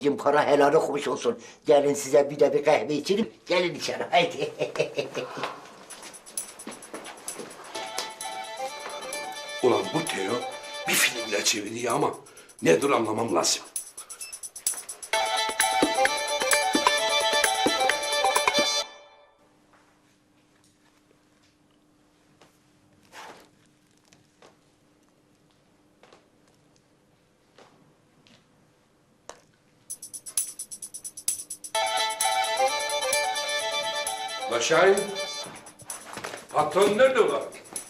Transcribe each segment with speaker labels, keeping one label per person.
Speaker 1: Para helal okumuş olsun. Gelin size bir de bir kahve içelim. Gelin içeri haydi.
Speaker 2: Ulan bu Teo bir filmle çeviriyor ama nedir anlamam lazım. La Şahin, patron nerede ulan?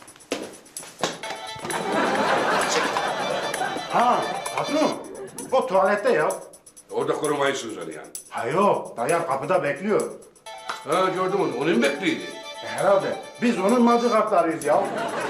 Speaker 3: Ha, patron. O tuvalette ya.
Speaker 2: Orada korumayı sözler yani.
Speaker 3: Ha yok, dayan kapıda bekliyor.
Speaker 2: Ha gördüm onu, onun bekliydi.
Speaker 3: Herhalde. Biz onun madıkaplarıyız ya.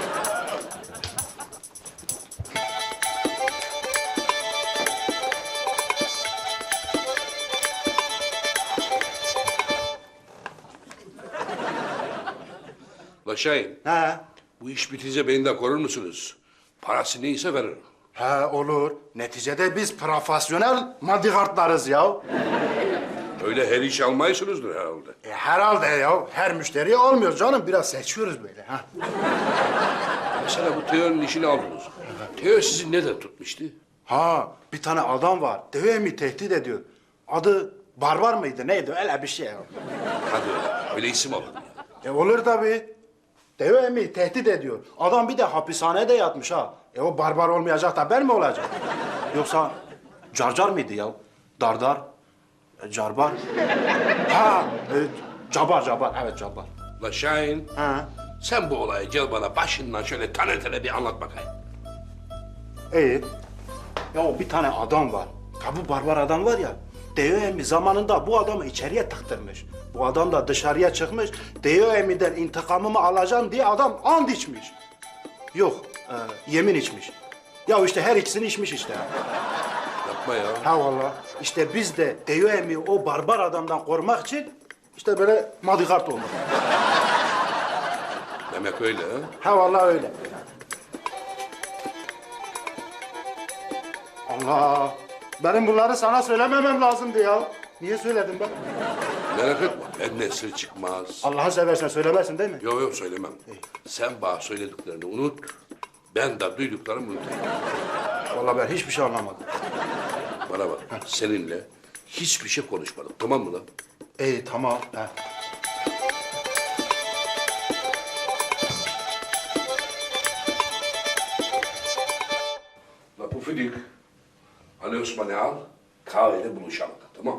Speaker 2: La Şahin,
Speaker 3: He.
Speaker 2: bu iş bitince beni de korur musunuz? Parası neyse veririm.
Speaker 3: He olur. Neticede biz profesyonel madıkartlarız ya.
Speaker 2: Öyle her iş almayısınızdır herhalde.
Speaker 3: Herhalde ya. Her müşteriye almıyoruz canım. Biraz seçiyoruz böyle. Ha.
Speaker 2: Mesela bu Teo'nun işini aldınız. Teo sizi neden tutmuştu?
Speaker 3: Ha, bir tane adam var. Devemi tehdit ediyor. Adı Barbar mıydı? Neydi? Öyle bir şey ya.
Speaker 2: Hadi öyle isim alın.
Speaker 3: Olur tabii. Devemi tehdit ediyor. Adam bir de hapishanede yatmış ha. O barbar olmayacak da ben mi olacağım? Yoksa Carcar mıydı ya? Dardar? Carbar? Ha, Cabar. Evet, Cabar.
Speaker 2: La Şahin,
Speaker 3: Ha,
Speaker 2: sen bu olayı gel bana başından şöyle tane tane bir anlat bakayım.
Speaker 3: iyi. Ya o bir tane adam var. Ya bu barbar adam var ya. Devemi zamanında bu adamı içeriye tıktırmış. Bu adam da dışarıya çıkmış. Devemi'den intikamımı alacağım diye adam and içmiş. Yok, yemin içmiş. Ya işte her ikisini içmiş işte.
Speaker 2: Yapma ya.
Speaker 3: Ha vallahi. İşte biz de Devemi o barbar adamdan korumak için işte böyle madıkart olduk.
Speaker 2: Demek öyle ha.
Speaker 3: Ha vallahi öyle. Allah! Benim bunları sana söylememem lazımdı ya. Niye söyledim ben?
Speaker 2: Merak etme, benden sır çıkmaz.
Speaker 3: Allah'ı seversen söylemezsin değil mi?
Speaker 2: Yok söylemem. Sen bana söylediklerini unut, ben de duyduklarımı unutayım.
Speaker 3: Vallahi ben hiçbir şey anlamadım.
Speaker 2: Bana bak, seninle hiçbir şey konuşmadım, tamam mı lan?
Speaker 3: İyi tamam. Ha.
Speaker 2: La Pufidik, Ali Osman'ı al, kahvede buluşalım, tamam?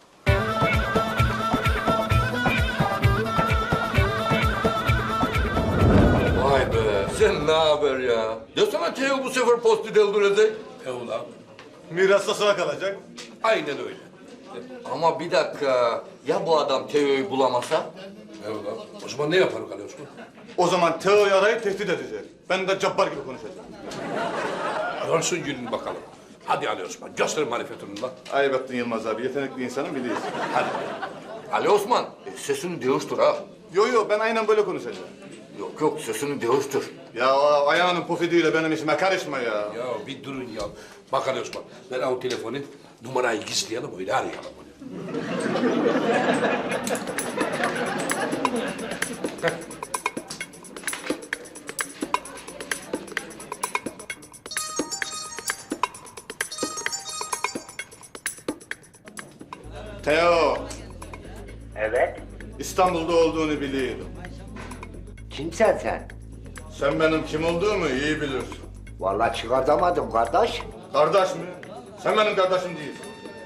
Speaker 4: Vay be, sen ne haber ya? Desene Teo bu sefer postu deldirecek.
Speaker 2: Evlat,
Speaker 5: Mirasta sana kalacak.
Speaker 2: aynen öyle.
Speaker 4: Ama bir dakika, ya bu adam Teo'yu bulamasa?
Speaker 2: Evlat, o zaman ne yapar Ali Osman?
Speaker 5: O zaman Teo'yu arayıp tehdit edecek. Ben de Cabbar gibi konuşacağım.
Speaker 2: Görsün gününü bakalım. Hadi Ali Osman, göster marifetini lan.
Speaker 5: Ayıp ettin Yılmaz abi. Yetenekli insanım biliyorsun.
Speaker 2: Hadi.
Speaker 4: Ali Osman, sesini değiştir ha.
Speaker 5: Yo ben aynen böyle konuşacağım.
Speaker 4: Yok, sesini değiştir.
Speaker 5: Ya o ayağının pufidiyle benim işime karışma ya.
Speaker 2: Ya bir durun ya. Bak Ali Osman, ver al telefonu, numarayı gizleyelim, öyle arayalım onu.
Speaker 5: Teo,
Speaker 1: Evet.
Speaker 5: İstanbul'da olduğunu biliyorum.
Speaker 1: Kimsen sen?
Speaker 5: Sen benim kim olduğumu iyi bilirsin.
Speaker 1: Vallahi çıkartamadım kardeş.
Speaker 5: Kardeş mi? Sen benim kardeşim değilsin.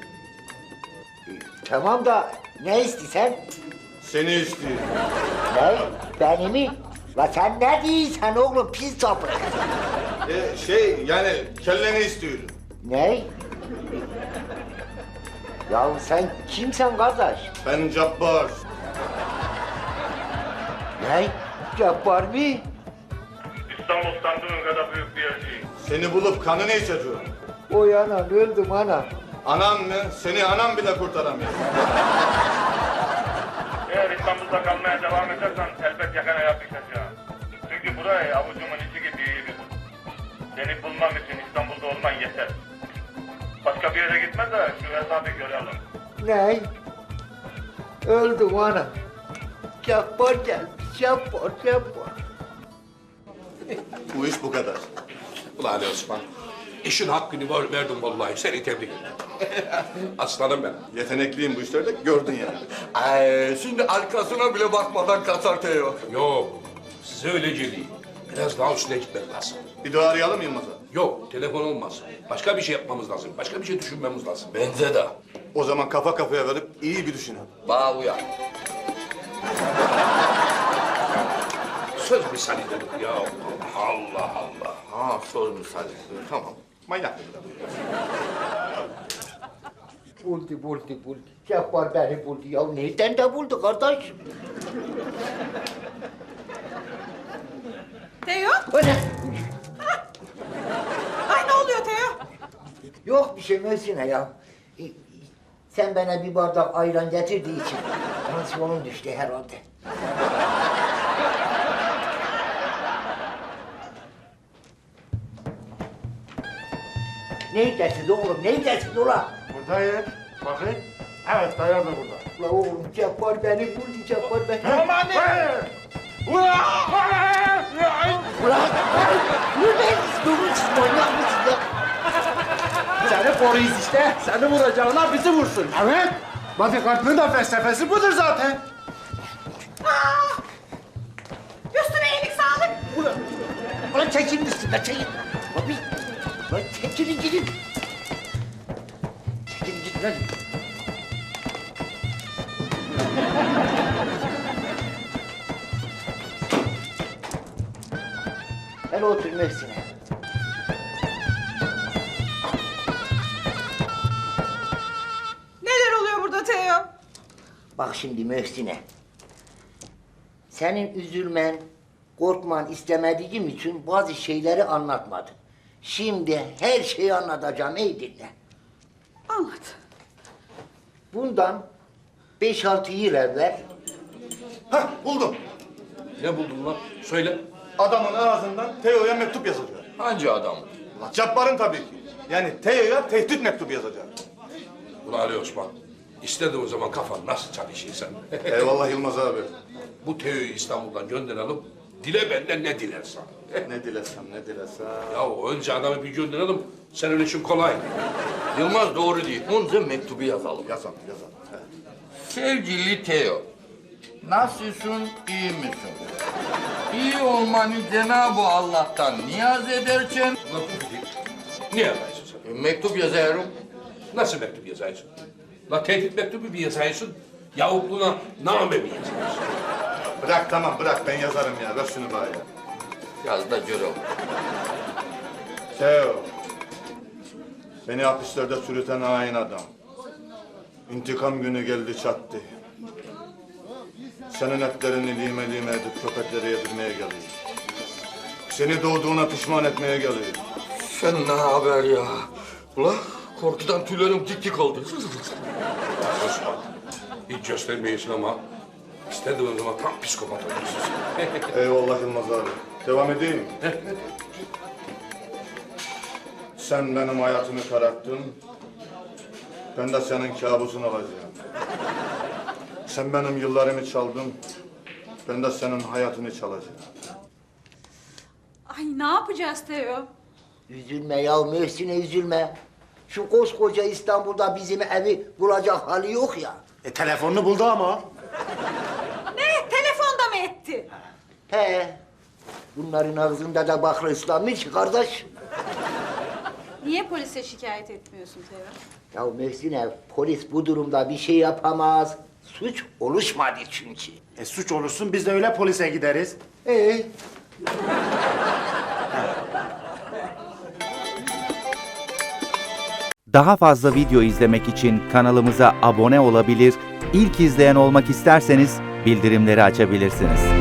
Speaker 1: Tamam da ne istiyorsun?
Speaker 5: Seni istiyorum.
Speaker 1: Ne? Beni mi? La sen ne diyorsun oğlum pis sapık?
Speaker 5: Yani kelleni istiyorum.
Speaker 1: Ne? Ya sen kimsen kardeş?
Speaker 5: Ben Cabbar.
Speaker 1: Ne? Cabbar mı?
Speaker 6: İstanbul sandığın kadar büyük bir yer değil.
Speaker 5: Seni bulup kanını içeceğim.
Speaker 1: Oy anam öldüm anam.
Speaker 5: Anan mı? Seni anam bile kurtaramıyor.
Speaker 6: Eğer İstanbul'da kalmaya devam edersen elbet yakana yapışacağım. Çünkü burayı avucumun içi gibi iyi bilirim. Seni bulmam için İstanbul'da olman yeter. Başka bir yere gitme de şu hesabı görelim.
Speaker 1: Ne? Öldüm ana. Cabbar gelmiş, Cabbar.
Speaker 5: Bu iş bu kadar.
Speaker 2: Ulan Ali Osman, işin hakkını verdim vallahi. Seni tebrik ederim. Aslanım ben.
Speaker 5: Yetenekliyim bu işlerde gördün yani.
Speaker 4: Ay, şimdi arkasına bile bakmadan kaçar Teo.
Speaker 2: Yok, size öylece değil. Biraz daha üstüne gitmek lazım.
Speaker 5: Bir daha arayalım Yılmaz'a.
Speaker 2: Yok, telefon olmaz. Başka bir şey yapmamız lazım. Başka bir şey düşünmemiz lazım.
Speaker 4: Bence de.
Speaker 5: O zaman kafa kafaya verip iyi bir düşünelim.
Speaker 4: Bana uyar.
Speaker 2: Söz misali dedik ya. Allah Allah.
Speaker 4: Ha, söz misali. Tamam.
Speaker 5: Manyak.
Speaker 1: Buldu. Cabbar beni buldu ya. Nereden de buldu kardeş?
Speaker 7: Teo?
Speaker 1: O ne?
Speaker 7: Ay ne oluyor Teo?
Speaker 1: Yok bir şey Mösyne ya. Sen bana bir bardak ayran getirdiği için tansiyonum düştü herhalde. Neydesiniz oğlum? Neydesiniz ulan?
Speaker 3: Buradayım. Bakın. Evet, dayı da burada.
Speaker 1: Ulan oğlum Cabbar beni buldu, Cabbar beni.
Speaker 3: Aman ne?
Speaker 1: Ulan! Buradayız, durun siz manyak mısınız ya?
Speaker 3: Seni koruyuz işte. Seni vuracağına bizi vursun. Evet. Bodyguard'ın da felsefesi budur zaten.
Speaker 7: Üstüne iyilik sağlık.
Speaker 1: Ulan çekilin üstüne, çekil. Abi, ulan çekilin gidin. Çekilin gidin lan. Ben otur Mösyne.
Speaker 7: Neler oluyor burada Teo?
Speaker 1: Bak şimdi Mösyne. Senin üzülmen, korkman istemediğim için bazı şeyleri anlatmadım. Şimdi her şeyi anlatacağım, iyi dinle.
Speaker 7: Anlat.
Speaker 1: Bundan 5-6 yıl evvel
Speaker 5: Hah buldum.
Speaker 2: Ne buldun lan? Söyle.
Speaker 5: Adamın ağzından Teo'ya mektup yazacak.
Speaker 4: Hangi adam?
Speaker 5: La Cabbar'ın tabii ki. Yani Teo'ya tehdit mektubu yazacak.
Speaker 2: Ulan Ali Osman, istediğin zaman kafan nasıl çalışıyor sen?
Speaker 5: Eyvallah Yılmaz abi.
Speaker 2: Bu Teo'yu İstanbul'dan gönderelim. Dile benden ne dilersen.
Speaker 5: Ne dilesem.
Speaker 2: Ya önce adamı bir gönderelim. Senin için kolay.
Speaker 4: Yılmaz doğru değil. Önce mektubu yazalım.
Speaker 5: Yazalım. He.
Speaker 4: Sevgili Teo, nasılsın, iyi misin? İyi olmanı Cenab-ı Allah'tan niyaz ederken
Speaker 2: Ulan bu değil. Niye yazaysın sen?
Speaker 4: mektup yazıyorum.
Speaker 2: Nasıl mektup yazaysın? La tehdit mektubu bir yazaysın. Yahut buna name mi yazaysın?
Speaker 5: Bırak tamam bırak ben yazarım ya. Ver şunu bana ya.
Speaker 4: Yaz da görelim.
Speaker 5: Teo. Beni hapislerde sürüten hain adam. İntikam günü geldi çattı. Senin etlerini lime edip köpeklere yedirmeye geliyor. Seni doğduğuna pişman etmeye geliyor.
Speaker 4: Sen ne haber ya? Ulan korkudan tüylerim dik dik oldu.
Speaker 2: Osman, hiç göstermeyesin ama istediğin zaman tam psikopat oluyorsun.
Speaker 5: Eyvallah Yılmaz abi. Devam edeyim mi? Sen benim hayatımı kararttın. Ben de senin kabusunu olacağım. Sen benim yıllarımı çaldın. Ben de senin hayatını çalacağım.
Speaker 7: Ay ne yapacağız Teo?
Speaker 1: Üzülme ya Mösyne üzülme. Şu koskoca İstanbul'da bizim evi bulacak hali yok ya.
Speaker 3: Telefonunu buldu ama.
Speaker 7: Ne? Telefonda mı etti?
Speaker 1: He. Bunların ağzında da bakla ıslanmış kardeş.
Speaker 7: Niye polise şikayet etmiyorsun Teo?
Speaker 1: Ya Mösyne polis bu durumda bir şey yapamaz. Suç oluşmadı çünkü.
Speaker 3: Suç olursun biz de öyle polise gideriz.
Speaker 8: Daha fazla video izlemek için kanalımıza abone olabilir, ilk izleyen olmak isterseniz bildirimleri açabilirsiniz.